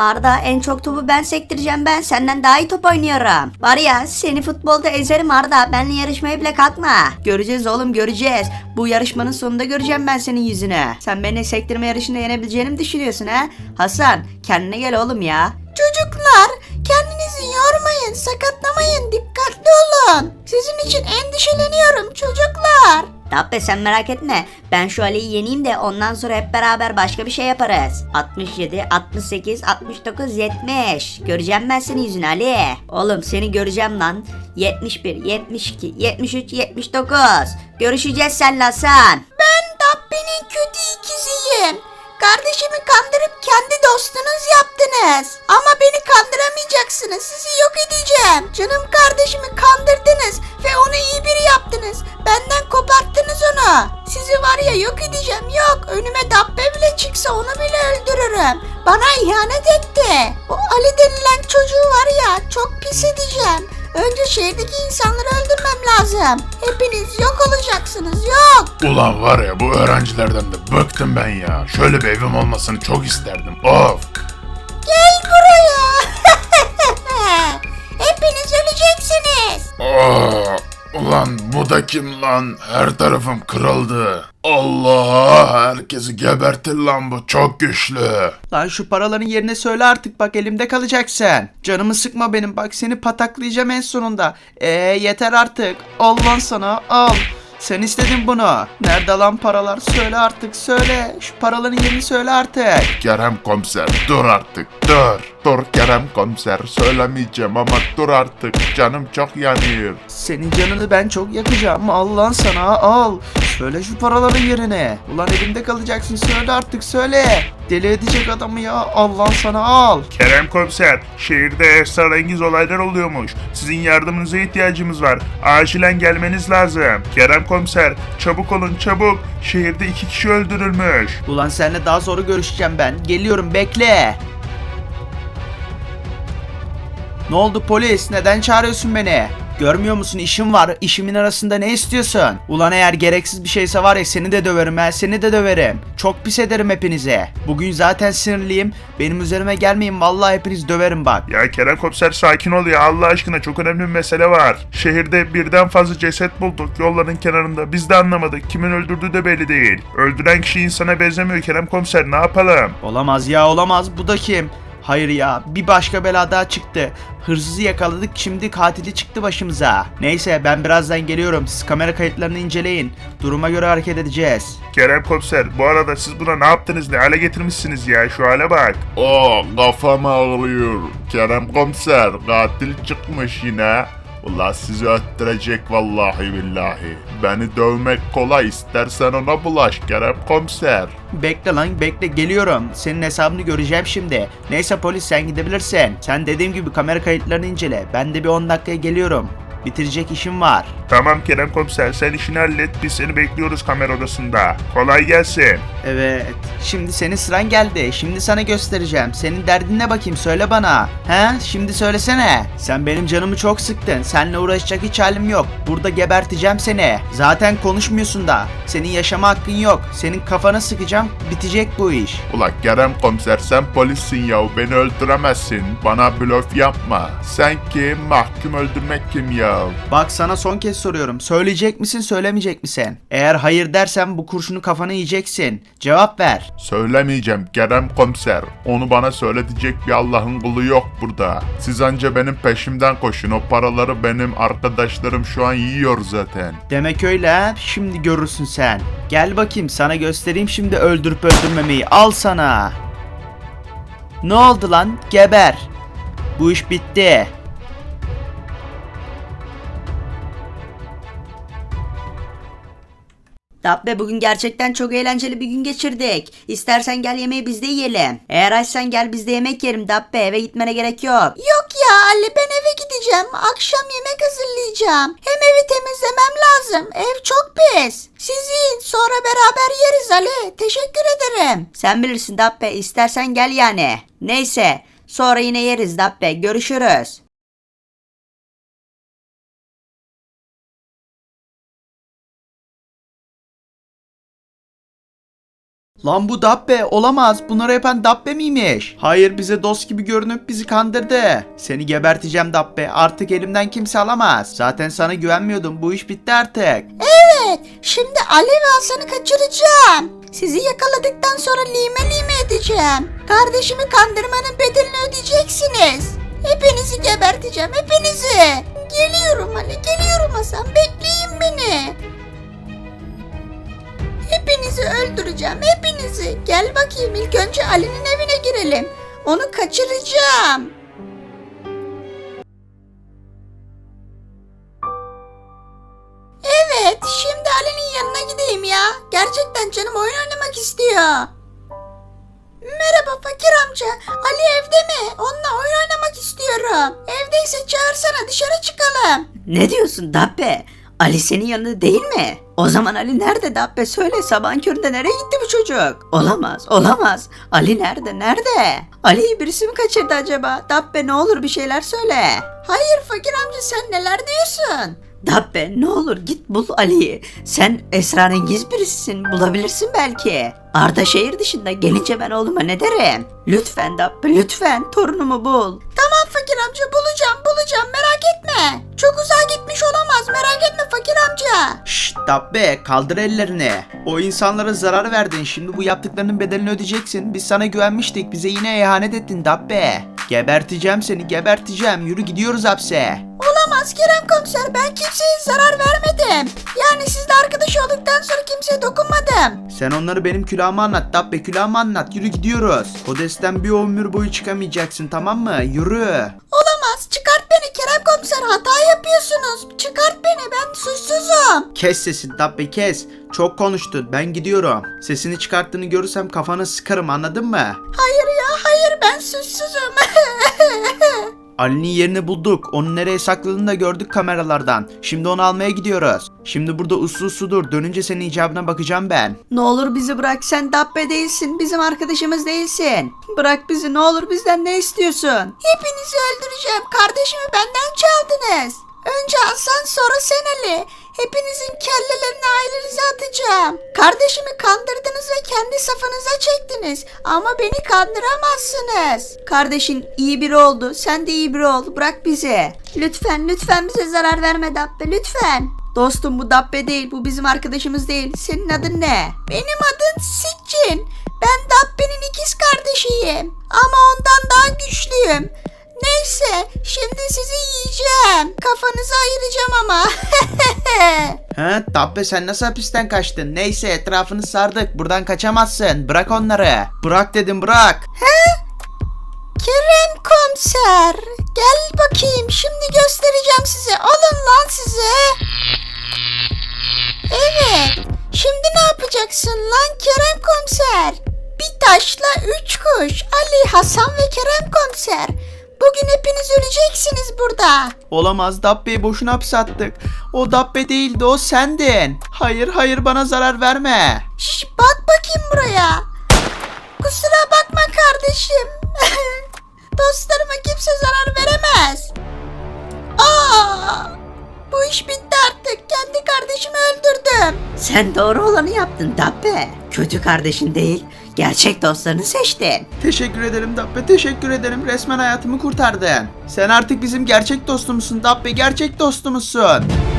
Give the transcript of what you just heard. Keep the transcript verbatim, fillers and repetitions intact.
Arda, en çok topu ben sektireceğim, ben senden daha iyi top oynuyorum. Var ya, seni futbolda ezerim Arda, benimle yarışmaya bile kalkma. Göreceğiz oğlum, göreceğiz. Bu yarışmanın sonunda göreceğim ben senin yüzünü. Sen beni sektirme yarışında yenebileceğini mi düşünüyorsun ha? Hasan, kendine gel oğlum ya. Çocuklar, kendinizi yormayın, sakatlamayın, dikkatli olun. Sizin için endişeleniyorum çocuklar. Dabbe sen merak etme. Ben şu Ali'yi yeneyim de ondan sonra hep beraber başka bir şey yaparız. altmış yedi, altmış sekiz, altmış dokuz, yetmiş. Göreceğim ben senin yüzünü Ali. Oğlum seni göreceğim lan. yetmiş bir, yetmiş iki, yetmiş üç, yetmiş dokuz. Görüşeceğiz seninle Hasan. Ben Dabbe'nin kötü ikiziyim. Kardeşimi kandırıp kendi dostunuz yaptınız. Ama beni kandıramayacaksınız. Sizi yok edeceğim. Canım kardeşimi kandırdınız ve onu iyi biri yaptınız. Benden koparttınız onu. Sizi var ya yok edeceğim. Yok, önüme Dabbe bile çıksa onu bile öldürürüm. Bana ihanet etti. O Ali denilen çocuğu var ya, çok pis edeceğim. Önce şehirdeki insanları öldürmem lazım. Hepiniz yok olacaksınız, yok. Ulan var ya, bu öğrencilerden de bıktım ben ya. Şöyle bir evim olmasını çok isterdim. Of. Gel buraya. Hepiniz öleceksiniz. Aa, ulan bu da kim lan? Her tarafım kırıldı. Allah, herkesi gebertir lan, bu çok güçlü. Lan şu paraların yerine söyle artık, bak elimde kalacaksın. Canımı sıkma benim, bak seni pataklayacağım en sonunda. Eee yeter artık. Al lan sana, al. Sen istedin bunu. Nerede lan paralar? Söyle artık, söyle. Şu paraların yerini söyle artık. Kerem komiser, dur artık, dur. Dur Kerem komiser, söylemeyeceğim ama dur artık, canım çok yanıyor. Senin canını ben çok yakacağım. Al lan sana, al. Söyle şu paraların yerini. Ulan elimde kalacaksın, söyle artık, söyle. Deli edecek adamı ya. Al lan sana, al. Kerem komiser, şehirde esrarengiz olaylar oluyormuş. Sizin yardımınıza ihtiyacımız var. Acilen gelmeniz lazım. Kerem komiser, çabuk olun çabuk. Şehirde iki kişi öldürülmüş. Ulan seninle daha sonra görüşeceğim ben. Geliyorum, bekle. Ne oldu polis? Neden çağırıyorsun beni? Görmüyor musun, işim var. İşimin arasında ne istiyorsun? Ulan eğer gereksiz bir şeyse var ya, seni de döverim ha, seni de döverim. Çok pis ederim hepinize. Bugün zaten sinirliyim. Benim üzerime gelmeyin, vallahi hepiniz döverim bak. Ya Kerem komiser sakin ol ya, Allah aşkına, çok önemli bir mesele var. Şehirde birden fazla ceset bulduk yolların kenarında. Biz de anlamadık. Kimin öldürdüğü de belli değil. Öldüren kişi insana benzemiyor Kerem komiser, ne yapalım? Olamaz ya, olamaz. Bu da kim? Hayır ya, bir başka bela daha çıktı. Hırsızı yakaladık, şimdi katili çıktı başımıza. Neyse, ben birazdan geliyorum. Siz kamera kayıtlarını inceleyin. Duruma göre hareket edeceğiz. Kerem komiser, bu arada siz buna ne yaptınız, ne hale getirmişsiniz ya, şu hale bak. Oo, kafam ağrıyor. Kerem komiser, katil çıkmış yine. Ulan sizi öttürecek vallahi billahi. Beni dövmek kolay, istersen ona bulaş Kerem komiser. Bekle lan, bekle, geliyorum. Senin hesabını göreceğim şimdi. Neyse polis, sen gidebilirsin. Sen dediğim gibi kamera kayıtlarını incele. Ben de bir on dakikaya geliyorum. Bitirecek işim var. Tamam Kerem komiser, sen işini hallet, biz seni bekliyoruz kamera odasında. Kolay gelsin. Evet. Şimdi senin sıran geldi. Şimdi sana göstereceğim. Senin derdin ne bakayım, söyle bana. He? Şimdi söylesene. Sen benim canımı çok sıktın. Seninle uğraşacak hiç halim yok. Burada geberteceğim seni. Zaten konuşmuyorsun da. Senin yaşama hakkın yok. Senin kafana sıkacağım. Bitecek bu iş. Ulan Kerem komiser, sen polissin yahu, beni öldüremezsin. Bana blöf yapma. Sen kim, mahkum öldürmek kim ya? Bak sana son kez soruyorum. Söyleyecek misin, söylemeyecek misin? Eğer hayır dersen bu kurşunu kafana yiyeceksin. Cevap ver. Söylemeyeceğim Kerem komiser. Onu bana söyletecek bir Allah'ın kulu yok burada. Siz anca benim peşimden koşun. O paraları benim arkadaşlarım şu an yiyor zaten. Demek öyle ha? Şimdi görürsün sen. Gel bakayım, sana göstereyim şimdi öldürüp öldürmemeyi. Al sana. Ne oldu lan? Geber. Bu iş bitti. Dabbe, bugün gerçekten çok eğlenceli bir gün geçirdik. İstersen gel yemeği biz de yiyelim. Eğer açsan gel biz de yemek yiyelim Dabbe, eve gitmene gerek yok. Yok ya Ali, ben eve gideceğim. Akşam yemek hazırlayacağım. Hem evi temizlemem lazım. Ev çok pis. Siz yiyin, sonra beraber yeriz Ali. Teşekkür ederim. Sen bilirsin Dabbe, istersen gel yani. Neyse, sonra yine yeriz Dabbe, görüşürüz. Lan bu Dabbe olamaz. Bunları yapan Dabbe miymiş? Hayır, bize dost gibi görünüp bizi kandırdı. Seni geberteceğim Dabbe. Artık elimden kimse alamaz. Zaten sana güvenmiyordum. Bu iş bitti artık. Evet, şimdi Ali ve Hasan'ı kaçıracağım. Sizi yakaladıktan sonra lime lime edeceğim. Kardeşimi kandırmanın bedelini ödeyeceksiniz. Hepinizi geberteceğim, hepinizi. Geliyorum Ali, geliyorum Hasan. Bekleyin beni. Hepinizi öldüreceğim, hepinizi. Gel bakayım, ilk önce Ali'nin evine girelim. Onu kaçıracağım. Evet, şimdi Ali'nin yanına gideyim ya. Gerçekten canım oyun oynamak istiyor. Merhaba fakir amca. Ali evde mi? Onunla oyun oynamak istiyorum. Evdeyse çağırsana, dışarı çıkalım. Ne diyorsun Dabbe? Ali senin yanında değil mi? O zaman Ali nerede Dabbe? Söyle, sabahın köründe nereye gitti bu çocuk? Olamaz, olamaz. Ali nerede, nerede? Ali'yi birisi mi kaçırdı acaba? Dabbe ne olur bir şeyler söyle. Hayır fakir amca, sen neler diyorsun? Dabbe ne olur git bul Ali'yi. Sen esrarengiz birisisin, bulabilirsin belki. Arda şehir dışında, gelince ben oğluma ne derim? Lütfen Dabbe, lütfen torunumu bul. Tamam fakir amca, bulacağım bulacağım, merak etme. Çok uzağa gitmiş olamaz, merak etme fakir amca. Şşt Dabbe, kaldır ellerini. O insanlara zarar verdin. Şimdi bu yaptıklarının bedelini ödeyeceksin. Biz sana güvenmiştik. Bize yine ihanet ettin Dabbe. Geberteceğim seni, geberteceğim. Yürü, gidiyoruz hapse. Olamaz Kerem komiser, ben kimseye zarar vermedim. Yani sizle arkadaş olduktan sonra kimseye dokunmadım. Sen onları benim külahıma anlat Dabbe, külahıma anlat. Yürü, gidiyoruz. Kodesten bir ömür boyu çıkamayacaksın, tamam mı? Yürü. Olamaz, çıkart beni Kerem komiser, hata yapıyorsunuz. Çıkart beni, ben suçsuzum. Kes sesini Dabbe, kes. Çok konuştun, ben gidiyorum. Sesini çıkarttığını görürsem kafanı sıkarım, anladın mı? Hayır ya, hayır, ben suçsuzum. Ali'nin yerini bulduk. Onu nereye sakladığını da gördük kameralardan. Şimdi onu almaya gidiyoruz. Şimdi burada uslu uslu dur. Dönünce senin icabına bakacağım ben. Ne olur bizi bırak, sen Dabbe değilsin, bizim arkadaşımız değilsin. Bırak bizi, ne olur, bizden ne istiyorsun? Hepinizi öldüreceğim, kardeşimi benden çaldınız. Önce Hasan, sonra sen Ali. Hepinizin kellelerini ailenize atacağım. Kardeşimi kandırdınız ve kendi safınıza çektiniz. Ama beni kandıramazsınız. Kardeşin iyi biri oldu, sen de iyi biri ol, bırak bizi. Lütfen, lütfen bize zarar verme Dabbe, lütfen. Dostum, bu Dabbe değil, bu bizim arkadaşımız değil. Senin adın ne? Benim adım Sitcin. Ben Dabbe'nin ikiz kardeşiyim. Ama ondan daha güçlüyüm. Neyse, şimdi sizi yiyeceğim. Kafanızı ayıracağım ama. He Dabbe, sen nasıl hapisten kaçtın? Neyse, etrafını sardık. Buradan kaçamazsın. Bırak onları. Bırak dedim, bırak. Kerem komiser, gel bakayım, şimdi göstereceğim size. Alın lan size. Evet, şimdi ne yapacaksın lan Kerem komiser? Bir taşla üç kuş. Ali, Hasan ve Kerem komiser. Bugün hepiniz öleceksiniz burada. Olamaz, Dabbe'yi boşuna hapse attık. O Dabbe değildi, o sendin. Hayır hayır, bana zarar verme. Şş, bak bakayım buraya. Kusura bakma kardeşim. Dostlarıma kimse zarar veremez. Aa, bu iş bitti artık. Kendi kardeşimi öldürdüm. Sen doğru olanı yaptın Dabbe. Kötü kardeşin değil, gerçek dostlarını seçtin. Teşekkür ederim Dabbe, teşekkür ederim. Resmen hayatımı kurtardın. Sen artık bizim gerçek dostumuzsun Dabbe, gerçek dostumuzsun.